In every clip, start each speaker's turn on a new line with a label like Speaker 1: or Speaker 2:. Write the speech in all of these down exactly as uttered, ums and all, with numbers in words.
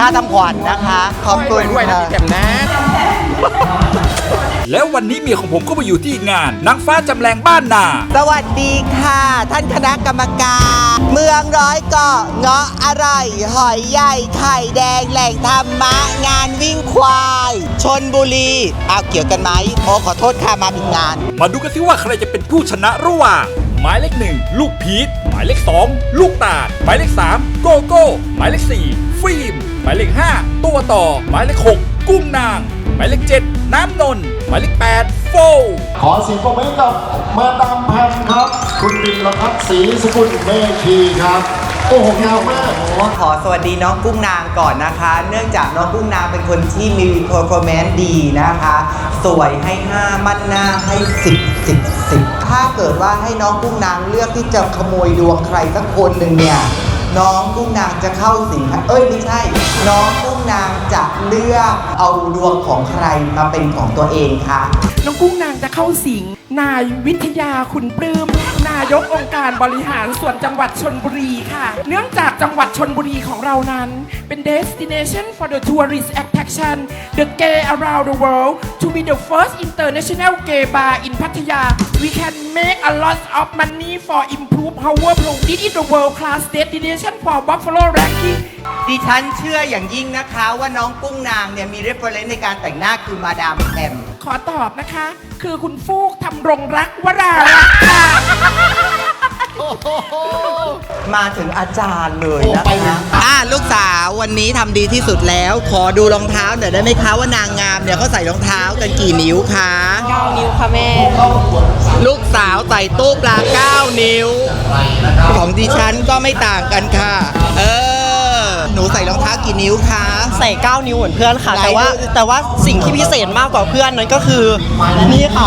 Speaker 1: ค่าทำขวัญนะคะ ขอบคุณ
Speaker 2: ด้วยนะ
Speaker 1: ค่ะ
Speaker 2: พี่แจ่มนะ
Speaker 3: แล้ววันนี้เมียของผมก็มาอยู่ที่งานนางฟ้าจำแรงบ้านนา
Speaker 1: สวัสดีค่ะ ท่านคณะกรรมการ เมืองร้อยเกาะเงาะอร่อยหอยใหญ่ไข่แดงแหล่งธรรมะงานวิ่งควายชนบุรีอ้าวเกี่ยวกันไหมโอ้ขอโทษค่ะมาผิดงาน
Speaker 3: มาดูกันสิว่าใครจะเป็นผู้ชนะระหว่างหมายเลขหนึ่งลูกพีชหมายเลขสองลูกตาดหมายเลขสามโกโก้หมายเลขสี่ฟิล์มหมายเลขห้าตัวต่อหมายเลขหกกุ้งนางหมายเลขเจ็ดน้ำนนท์หมายเลขแปดโฟ
Speaker 4: ขอเสียงปรบมือให้กับมาดามแพมครับ คุณปิ่นรพัฒน์ศรีสกุลเมธีครับ โอ้โหยาวมาก
Speaker 1: ขอสวัสดีน้องกุ้งนางก่อนนะคะ เนื่องจากน้องกุ้งนางเป็นคนที่มี performance ดีนะคะ สวยให้ห้ามั่นหน้าให้สิบสิบสิบถ้าเกิดว่าให้น้องกุ้งนางเลือกที่จะขโมยดวงใครสักคนหนึ่งเนี่ย น้องกุ้งนางจะเข้าสิงเอ้ยไม่ใช่ น้องกุ้งนางจะเลือกเอาดวงของใครมาเป็นของตัวเองคะ
Speaker 5: น้องกุ้งนางจะเข้าสิง นายวิทยาคุณปลื้ม นายกองค์การบริหารส่วนจังหวัดชลบุรีค่ะ เนื่องจากจังหวัดชลบุรีของเรานั้น เป็น destination for the tourist attraction the gay around the world to be the first international gay bar in Pattaya we can make a lot of money for improve our pro this is the world class destination for Buffalo ranking
Speaker 1: ดิฉันเชื่ออย่างยิ่งนะคะว่าน้องกุ้งนางเนี่ยมี reference ในการแต่งหน้าคือมาดามแพม
Speaker 5: ขอตอบนะคะ คือคุณฟูกทำรงรักวรารักษ์ค่ะ
Speaker 1: มาถึงอาจารย์เลยนะคะอ่าลูกสาววันนี้ทำดีที่สุดแล้ว ขอดูรองเท้าหน่อยได้ไหมคะว่านางงามเนี่ยเขาใส่รองเท้ากันกี่นิ้วคะเก้านิ้วค่ะแม่ลูกสาวใส่ตู้ปลาเก้านิ้ว ของดิฉันก็ไม่ต่างกันค่ะ เออ หนูใส่รองเท้ากี่นิ้วคะ
Speaker 6: ใส่เก้านิ้วเหมือนเพื่อนค่ะ
Speaker 1: ไหน
Speaker 6: แต่ว่า
Speaker 1: ดู
Speaker 6: แต่ว่าสิ่งที่พิเศษมากกว่าเพื่อนนั้นก็คือนี่ค่ะ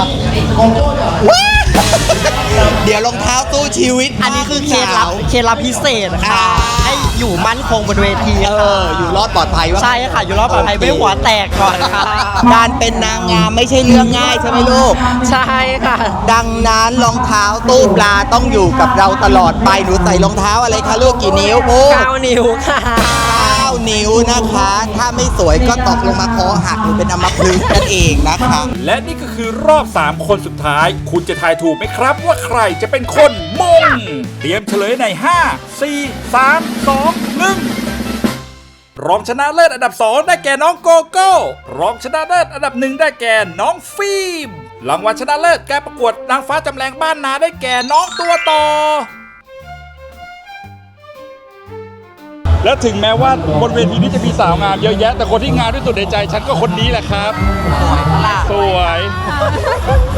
Speaker 1: เดี๋ยวรองเท้าตู้ชีวิต
Speaker 6: อันนี้คือเคล็ดลับเคล็ดลับพิเศษค่ะ
Speaker 1: อ่า
Speaker 6: ให้อยู่มั่นคงบนเวที
Speaker 1: เอ
Speaker 6: ค่ะ
Speaker 1: อ อยู่รอดปลอดภัยว่า
Speaker 6: ใช่ค่ะ อยู่รอบปลอดภัย
Speaker 1: โอเค
Speaker 6: ไม่หัวแตกก่อนค่ะ
Speaker 1: การเป็นนางงามไม่ใช่เรื่องง่ายใช่ไหมลูก
Speaker 6: ใช่ค่ะ
Speaker 1: ดังนั้นรองเท้าตู้ปลาต้องอยู่กับเราตลอดไป หนูใส่รองเท้าอะไรคะลูกกี่นิ้วพูด
Speaker 6: เก้านิ้วค่ะ
Speaker 1: เก้านิ้วนะคะ ถ้าไม่สวยก็ตกลงมาคอหักหรือเป็นอัมพฤกษ์นั่นเองนะคะ
Speaker 3: และนี่ก็คือรอบ สาม คนสุดท้าย คุณจะทายถูกไหมครับว่าใครจะเป็นคนมง เตรียมเฉลยใน ห้า สี่ สาม สอง หนึ่ง รองชนะเลิศอันดับ สอง ได้แก่น้องโกโก้ รองชนะเลิศอันดับหนึ่งได้แก่น้องฟิล์ม รางวัลชนะเลิศการประกวดนางฟ้าจำแรงบ้านนาได้แก่น้องตัวต่อ และถึงแม้ว่าบนเวทีนี้จะมีสาวงามเยอะแยะ แต่คนที่งามที่สุดในใจฉันก็คนนี้แหละครับ สวย